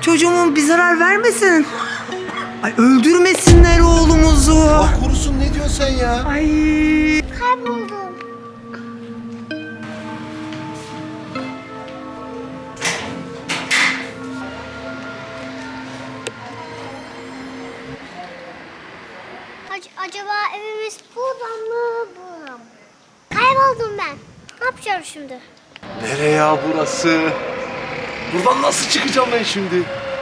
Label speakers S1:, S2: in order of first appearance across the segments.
S1: Çocuğumun bir zarar vermesin. Ay öldürmesinler oğlumuzu.
S2: Allah korusun, ne diyorsun sen ya?
S1: Ay.
S3: Kayboldum. Acaba evimiz buradan mı? Buradan mı? Kayboldum ben. Ne yapacağım şimdi?
S2: Nereye ya burası? Buradan nasıl çıkacağım ben şimdi?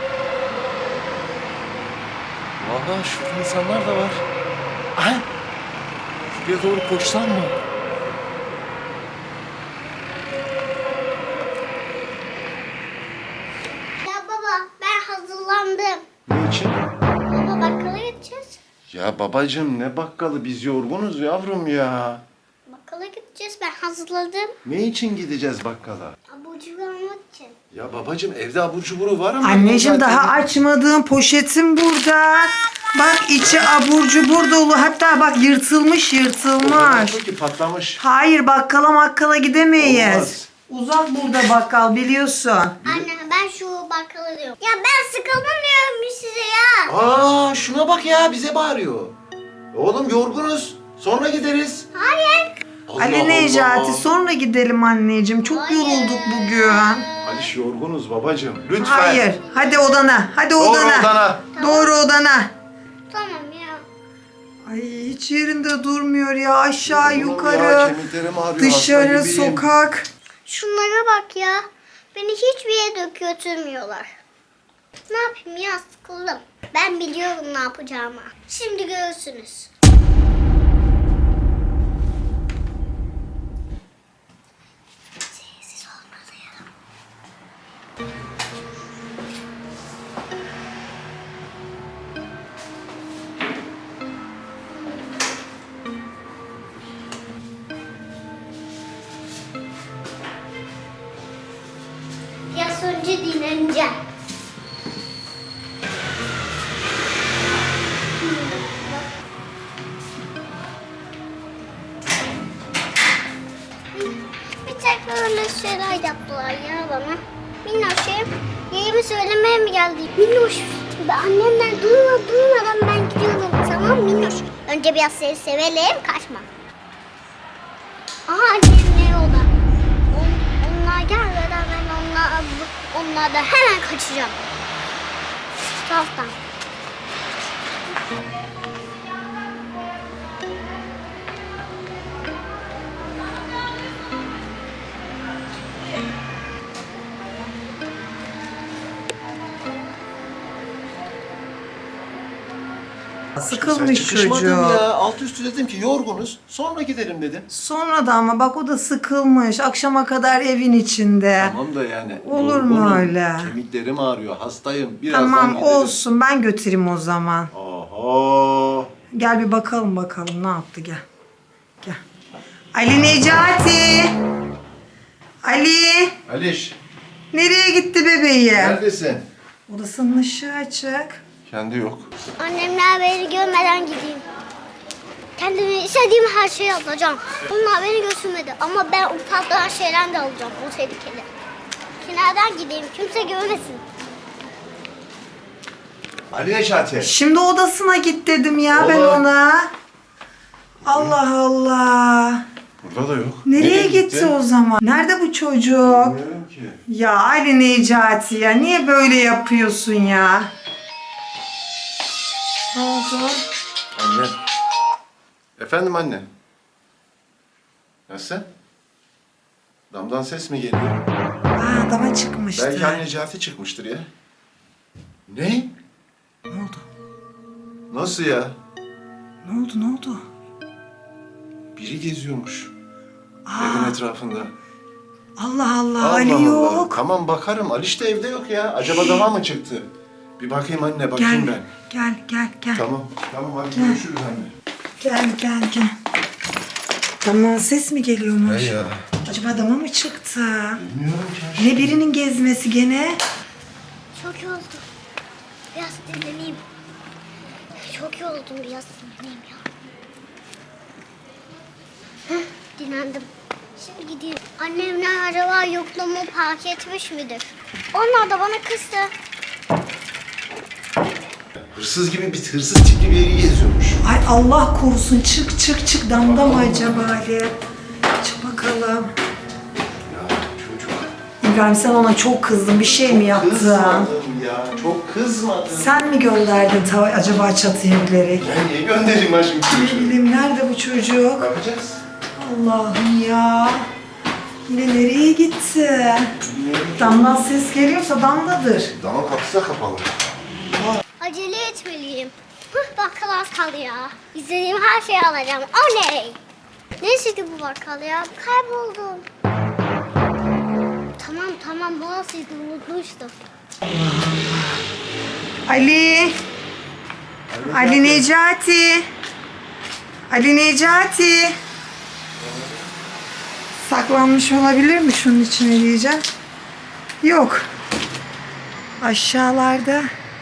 S2: Valla şurada insanlar da var. Aha! Şuraya doğru koşsam mı?
S3: Ya baba ben hazırlandım.
S2: Ne için?
S3: Baba bakkala gideceğiz.
S2: Ya babacığım, ne bakkalı, biz yorgunuz yavrum ya.
S3: Bakkala gideceğiz, ben hazırladım.
S2: Ne için gideceğiz bakkala?
S3: Abur cubur almak için.
S2: Ya babacığım, evde abur cuburu var ama...
S1: Anneciğim
S2: zaten-
S1: daha açmadığım poşetim burada. Bak içi abur cubur dolu. Hatta bak yırtılmış.
S2: Ki patlamış.
S1: Hayır bakkala makkala gidemeyiz.
S2: Olmaz.
S1: Uzak burada bakkal biliyorsun.
S3: Anne ben şu bakkala diyorum. Ya ben sıkıldım diyorum size ya.
S2: Aa, şuna bak ya, bize bağırıyor. Oğlum yorgunuz. Sonra gideriz.
S3: Hayır.
S2: Allah
S1: Ali Necati
S2: Allah.
S1: sonra gidelim anneciğim. Çok
S3: Hayır.
S1: yorulduk bugün.
S2: Aliş, yorgunuz babacığım. Lütfen.
S1: Hayır. Hadi odana. Hadi
S2: Doğru
S1: odana.
S2: odana.
S1: Doğru odana.
S3: Tamam ya.
S1: Ay hiç yerinde durmuyor ya. Aşağı
S2: Oğlum
S1: yukarı.
S2: ya, kemiklerim ağrıyor,
S1: Dışarı
S2: hasta gibiyim.
S1: sokak.
S3: Şunlara bak ya. Beni hiçbir yere götürmüyorlar. Ne yapayım ya, sıkıldım. Ben biliyorum ne yapacağımı. Şimdi görürsünüz. Sessiz olmalıyım. Biraz önce dinleneceğim. Bir tek böyle şeyler yaptılar ya bana. Minnoş'um, yerimi söylemeye mi geldi? Minnoş, annemden duymadan ben gidiyorum. Tamam Minnoş. Önce biraz seni sevelim, kaçma. Aha annem ne yolda? Onlar gelmeden ben onlardan hemen kaçacağım. Şu taraftan.
S1: Sıkılmış
S2: Çıkışmadım
S1: çocuğu.
S2: ya. Alt üstü dedim ki yorgunuz. Sonra gidelim dedim.
S1: Sonra da ama bak o da sıkılmış. Akşama kadar evin içinde.
S2: Tamam da yani.
S1: Olur mu
S2: yorgunum,
S1: öyle?
S2: Kemiklerim ağrıyor. Hastayım. Birazdan
S1: Tamam
S2: gidelim.
S1: olsun ben götüreyim o zaman.
S2: Oho.
S1: Gel bir bakalım ne yaptı gel. Gel. Ali Necati. Ali.
S2: Aliş,
S1: Nereye gitti bebeği?
S2: neredesin?
S1: Odasının ışığı açık.
S2: Kendi yok.
S3: Annemler beni görmeden gideyim. Kendime istediğim her şeyi alacağım. Onlar beni götürmedi ama ben ufaktan şeyler de alacağım. O tehlikeli. Kenardan gideyim, kimse görmesin.
S2: Ali Necati.
S1: Şimdi odasına git dedim ya ben
S2: Oğlum.
S1: ona. Allah Allah.
S2: Burada da yok.
S1: Nereye gitti o zaman? Nerede bu çocuk?
S2: Bilmiyorum ki.
S1: Ya Ali Necati ya niye böyle yapıyorsun ya? Ne oldu?
S2: Anne. Efendim anne. Nasıl? Damdan ses mi geliyor?
S1: Aa dama çıkmıştı.
S2: Belki anne Necati çıkmıştır ya. Ne?
S1: Ne oldu?
S2: Nasıl ya?
S1: Ne oldu?
S2: Biri geziyormuş.
S1: Aa.
S2: Evin etrafında.
S1: Allah Allah,
S2: Allah
S1: Ali
S2: Allah.
S1: yok.
S2: Tamam bakarım. Aliş de evde yok ya. Acaba dama mı çıktı? Bir bakayım anne, bakayım ben.
S1: Gel.
S2: Tamam. Tamam hadi görüşürüz anne.
S1: Gel. Tamam ses mi geliyormuş?
S2: Hey ya.
S1: Acaba dama mı çıktı?
S2: Bilmiyorum ki.
S1: Ne birinin gezmesi gene?
S3: Çok yoruldum. Biraz dinleneyim. Çok yoruldum, biraz dinleneyim ya. Heh, dinlendim. Şimdi gideyim. Annemler acaba yokluğumu fark etmiş midir? Onlar da bana kızdı.
S2: hırsız gibi bir hırsız tipli bir yeri geziyormuş.
S1: Ay Allah korusun, çık çık çık, damda mı acaba Ali? Çık bakalım.
S2: Ya çocuk.
S1: İbrahim sen ona çok kızdın, bir şey mi yaptın?
S2: Kızmadım ya. Çok kızmadım.
S1: Sen mi gönderdin acaba çatıya bilerek?
S2: Ben niye göndereyim ha şimdi
S1: Ne
S2: çocuğu?
S1: bileyim, nerede bu çocuk?
S2: Bakacağız.
S1: Allah'ım ya. Yine nereye gitti? Damdan ses geliyorsa damdadır.
S2: Dama kapısı da kapalı.
S3: Acele etmeliyim. Bakkal az kaldı ya. İstediğim her şeyi alacağım. Oley! Neyse ki bu bakkal ya. Kayboldum. Tamam burasıydı, unutmuştum.
S1: Ali. Ali Necati. Ali Necati. Saklanmış olabilir mi şunun içine diyeceğim. Yok. Aşağılarda.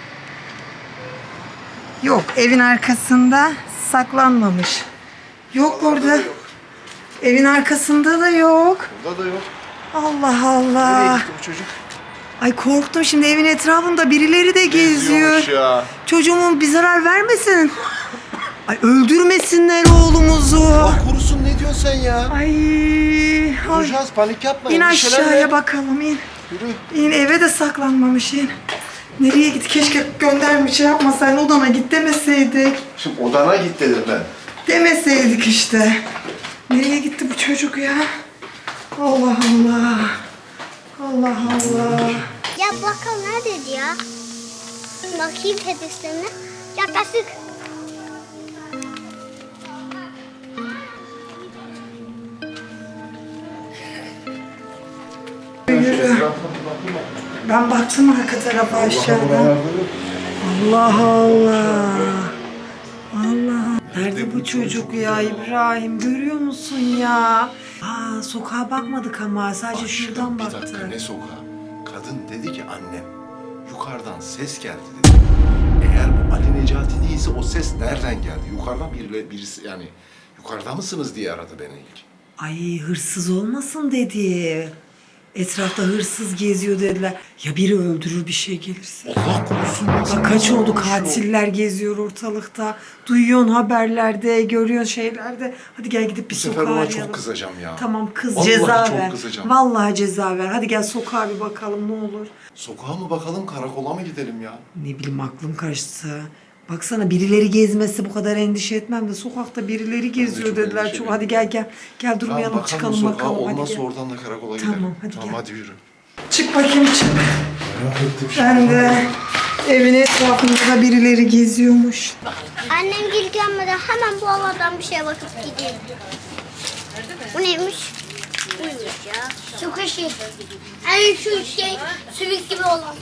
S1: Yok, evin arkasında saklanmamış. Yok orada. Evin arkasında da yok.
S2: Burada da yok.
S1: Allah
S2: Nereye
S1: Allah.
S2: gitti bu çocuk?
S1: Ay korktum, şimdi evin etrafında birileri de geziyor.
S2: Geziyormuş ya.
S1: Çocuğumun bir zarar vermesin. Ay öldürmesinler oğlumuzu.
S2: Allah korusun, ne diyorsun sen ya?
S1: Ay.
S2: Duracağız, panik yapma.
S1: İn
S2: endişelenme.
S1: aşağıya bakalım, in.
S2: Yürü.
S1: İn, eve de saklanmamış, in. Nereye gitti? Keşke göndermiş, şey yapmasaydın, odana git demeseydik.
S2: Şimdi odana git dedim ben.
S1: Demeseydik işte. Nereye gitti bu çocuk ya? Allah Allah. Allah Allah.
S3: Ya bakkal neredeydi ya? Bakayım tepesine. Yaklaştık.
S1: Yürü. Ben baktım arka tarafa, aşağıdan. Allah Allah. Allah. Nerede bu çocuk ya İbrahim? Görüyor musun ya? Aa, sokağa bakmadık ama sadece şuradan
S2: Bir dakika,
S1: baktık.
S2: ne sokağı? Kadın dedi ki annem, yukarıdan ses geldi dedi. Eğer bu Ali Necati değilse o ses nereden geldi? Yukarıdan birisi yani yukarıda mısınız diye aradı beni ilk.
S1: Ay hırsız olmasın dedi. Etrafta hırsız geziyor dediler. Ya biri öldürür, bir şey gelirse.
S2: Allah korusun.
S1: Bak kaç oldu, katiller geziyor ortalıkta. Duyuyorsun haberlerde, görüyorsun şeylerde. Hadi gel gidip bir
S2: Bu
S1: sokağa
S2: sefer ona
S1: arayalım.
S2: çok kızacağım ya.
S1: Tamam kız,
S2: Vallahi
S1: ceza
S2: çok
S1: ver.
S2: kızacağım.
S1: Vallahi ceza ver. Hadi gel sokağa bir bakalım ne olur.
S2: Sokağa mı bakalım, karakola mı gidelim ya?
S1: Ne bileyim, aklım karıştı. Baksana, birileri gezmesi bu kadar endişe etmem de sokakta birileri geziyor
S2: çok
S1: dediler.
S2: endişeliyim.
S1: Çok, hadi gel gel. Gel
S2: Tamam,
S1: durmayalım,
S2: bakalım
S1: çıkalım
S2: sokağa,
S1: bakalım. Hadi
S2: olmazsa
S1: gel.
S2: oradan da karakola
S1: Tamam,
S2: gidelim.
S1: hadi
S2: Tamam
S1: gel.
S2: hadi yürü.
S1: Çık bakayım, çık.
S2: Merak ettim
S1: Ben de evin etrafında da birileri geziyormuş.
S3: Annem gel gelmeden hemen bu havadan bir şeye bakıp gideyim. Bu neymiş? Buymuş ya. Su kaşı. Yani şu şey sümük gibi olan.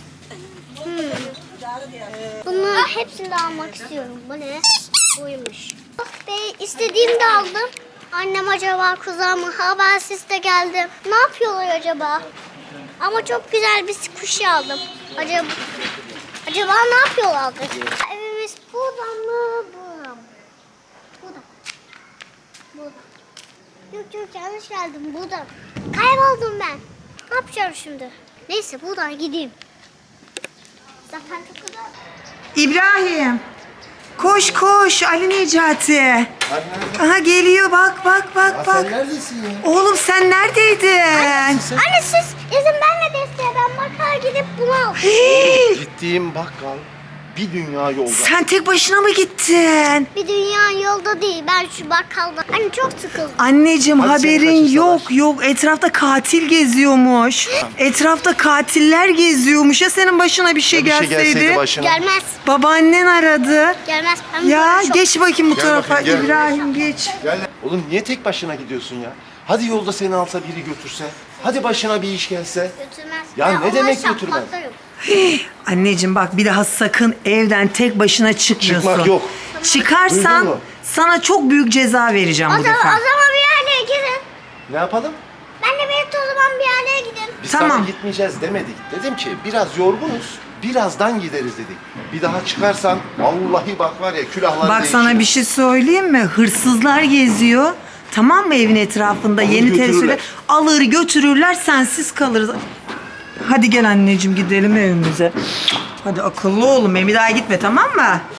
S3: Bunların hepsini de almak istiyorum. Bu ne? Buymuş. Ve istediğimi de aldım. Annem acaba kızar mı? Habersiz de geldim. Ne yapıyorlar acaba? Ama çok güzel bir kuş aldım. Acaba ne yapıyorlardır? Evimiz burada mı? Burada mı? Burada. Burada. Yok yanlış geldim. Burada. Kayboldum ben. Ne yapacağım şimdi? Neyse buradan gideyim. Zaten çok güzel.
S1: İbrahim. Koş koş Ali Necati.
S2: Anne,
S1: Aha geliyor, bak bak bak bak.
S2: sen neredesin ya?
S1: Oğlum sen neredeydin?
S3: Anne siz izin verme desteğe. Ben bakkala gidip bunu al.
S1: Hii,
S2: Gittiğim bakkal bir dünya yolda.
S1: sen tek başına mı gittin?
S3: Bir dünya yolda değil. Ben şu bakkalda. Anne çok sıkıldım.
S1: Anneciğim
S2: Hadi seni
S1: haberin
S2: kaçırsalar.
S1: yok. Etrafta katil geziyormuş. Etrafta katiller geziyormuş. Ya senin başına bir şey
S2: Ya bir şey
S1: gelseydi?
S2: gelseydi başına.
S3: Gelmez.
S1: Babaannen aradı.
S3: Gelmez. Ben
S1: Ya
S3: böyle çok-
S1: geç bakayım bu
S2: Gel
S1: tarafa.
S2: bakayım, gel.
S1: İbrahim geç.
S2: Gel. Oğlum niye tek başına gidiyorsun ya? Hadi yolda seni alsa biri götürse. Hadi başına bir iş gelse.
S3: Götürmez.
S2: Ya
S3: Ben
S2: ne
S3: onları
S2: demek götürmez?
S3: şaplatlarım.
S1: Anneciğim bak, bir daha sakın evden tek başına çıkmıyorsun.
S2: Çıkmak yok.
S1: Çıkarsan
S2: Duydun mu?
S1: sana çok büyük ceza vereceğim
S3: O
S1: bu
S3: zaman,
S1: defa.
S3: o zaman bir yerlere gidin.
S2: Ne yapalım?
S3: Ben de birlikte o zaman bir yerlere gidin.
S2: Biz
S1: Tamam.
S2: sana gitmeyeceğiz demedik. Dedim ki biraz yorgunuz. Birazdan gideriz dedik. Bir daha çıkarsan vallahi bak var ya külahlar
S1: Bak
S2: değişiyor.
S1: sana bir şey söyleyeyim mi? Hırsızlar geziyor. Tamam mı, evin etrafında
S2: Alır
S1: yeni
S2: götürürler.
S1: tesirler alır götürürler, sensiz kalırız. Hadi gel anneciğim, gidelim evimize. Hadi akıllı oğlum benim, bir daha gitme, tamam mı?